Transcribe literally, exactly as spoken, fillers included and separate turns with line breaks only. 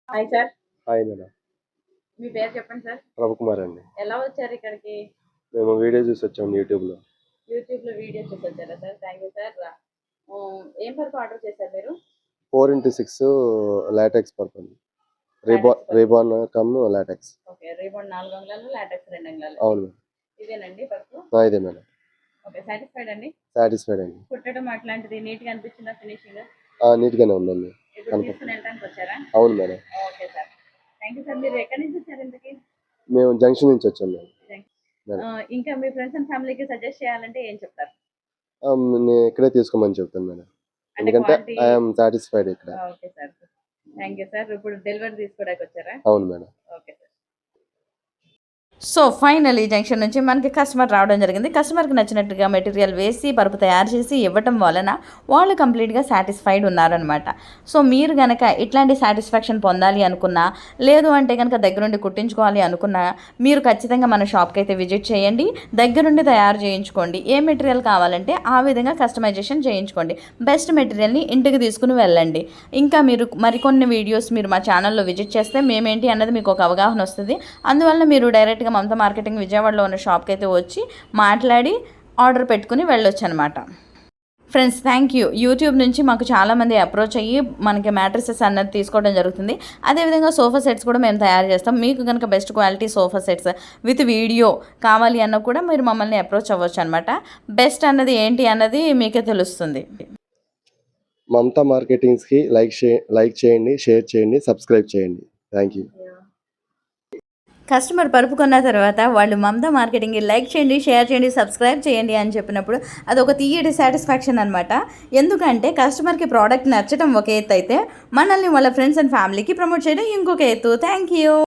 Hi sir.
Hi madam.
మీ పేరు చెప్పండి సార్?
రవికుమార్ అండి.
ఎలా వచ్చారు ఇక్కడికి?
మేము వీడియో చూసి వచ్చాము యూట్యూబ్‌లో.
యూట్యూబ్‌లో వీడియో చూసి వచ్చారా సార్? Thank you sir. హ్మ్. ఏం పరుపు ఆర్డర్ చేశారు మీరు?
ఫోర్ ఇంటూ సిక్స్ లాటెక్స్ పరుపు అండి. రిబా
లాటెక్స్ పరుపు.
రిబాన్ కమ్ లాటెక్స్.
ఓకే. రిబాన్ నాలుగు అంగుళాలు, లాటెక్స్ రెండు అంగుళాలు.
అవును మేడం.
ఇదేనండి పరుపు?
ఆ! ఇదే మేడం.
ఓకే. సాటిస్ఫైడ్ అండి?
సాటిస్ఫైడ్ అండి.
కుట్టడం అట్లాంటిది నీట్‌గా అనిపించిందా ఫినిషింగ్?
ఆ! నీట్‌గానే ఉందండి.
ఇప్పుడు
కనుక
తీసుకొని వెళ్ళడానికి వచ్చారా?
అవును madam.
Okay sir. Thank you sir. మీరు ఎక్కడి నుంచి వచ్చారు ఇంతకి?
మేము జంక్షన్ నుంచి వచ్చాం మేడం. మేడం.
ఆహ్, ఇంకా మీ ఫ్రెండ్స్ అండ్ ఫ్యామిలీకి సజెస్ట్ చేయాలంటే ఏం చెప్తారు?
ఆ! నేను ఇక్కడే తీసుకోమని చెప్తాను మేడం.
అంటే
ఎందుకంటే
క్వాలిటీ
ఐ యామ్ సాటిస్ఫైడ్ ఇక్కడ.
Okay sir. Thank you sir. ఇప్పుడు డెలివరీ తీసుకోవడానికి వచ్చారా?
అవును madam.
Okay sir.
So final ఈ జంక్షన్ నుంచి మనకి కస్టమర్ రావడం జరిగింది. కస్టమర్కి నచ్చినట్టుగా మెటీరియల్ వేసి పరుపు తయారు చేసి ఇవ్వటం వలన వాళ్ళు కంప్లీట్గా సాటిస్ఫైడ్ ఉన్నారనమాట. సో మీరు కనుక ఇట్లాంటి సాటిస్ఫాక్షన్ పొందాలి అనుకున్నా, లేదు అంటే కనుక దగ్గరుండి కుట్టించుకోవాలి అనుకున్నా, మీరు ఖచ్చితంగా మన షాప్కి అయితే విజిట్ చేయండి. దగ్గరుండి తయారు చేయించుకోండి. ఏ మెటీరియల్ కావాలంటే ఆ విధంగా కస్టమైజేషన్ చేయించుకోండి. బెస్ట్ మెటీరియల్ని ఇంటికి తీసుకుని వెళ్ళండి. ఇంకా మీరు మరికొన్ని వీడియోస్ మీరు మా ఛానల్లో విజిట్ చేస్తే మేమేంటి అన్నది మీకు ఒక అవగాహన వస్తుంది. అందువల్ల మీరు డైరెక్ట్గా మమతా మార్కెటింగ్ విజయవాడలో ఉన్న షాప్కి అయితే వచ్చి మాట్లాడి ఆర్డర్ పెట్టుకుని వెళ్ళొచ్చు అనమాట. Friends thank you. యూట్యూబ్ నుంచి మాకు చాలామంది అప్రోచ్ అయ్యి మనకి మ్యాట్రిసెస్ అన్నది తీసుకోవడం జరుగుతుంది. అదేవిధంగా సోఫా సెట్స్ కూడా మేము తయారు చేస్తాం. మీకు కనుక best quality sofa sets with video కావాలి అన్న కూడా మీరు మమ్మల్ని అప్రోచ్ అవ్వచ్చు అనమాట. బెస్ట్ అన్నది ఏంటి అన్నది మీకే తెలుస్తుంది.
మమతా మార్కెటింగ్స్‌కి లైక్ షే లైక్ చేయండి, షేర్ చేయండి, సబ్స్క్రైబ్ చేయండి. Thank you.
కస్టమర్ పరుపు కొన్న తర్వాత వాళ్ళు మమతా మార్కెటింగ్కి లైక్ చేయండి, షేర్ చేయండి, సబ్స్క్రైబ్ చేయండి అని చెప్పినప్పుడు అదొక తీయటి సాటిస్ఫాక్షన్ అనమాట. ఎందుకంటే కస్టమర్కి ప్రోడక్ట్ నచ్చడం ఒక ఎత్తు అయితే మనల్ని వాళ్ళ ఫ్రెండ్స్ అండ్ ఫ్యామిలీకి ప్రమోట్ చేయడం ఇంకొక ఎత్తు. Thank you.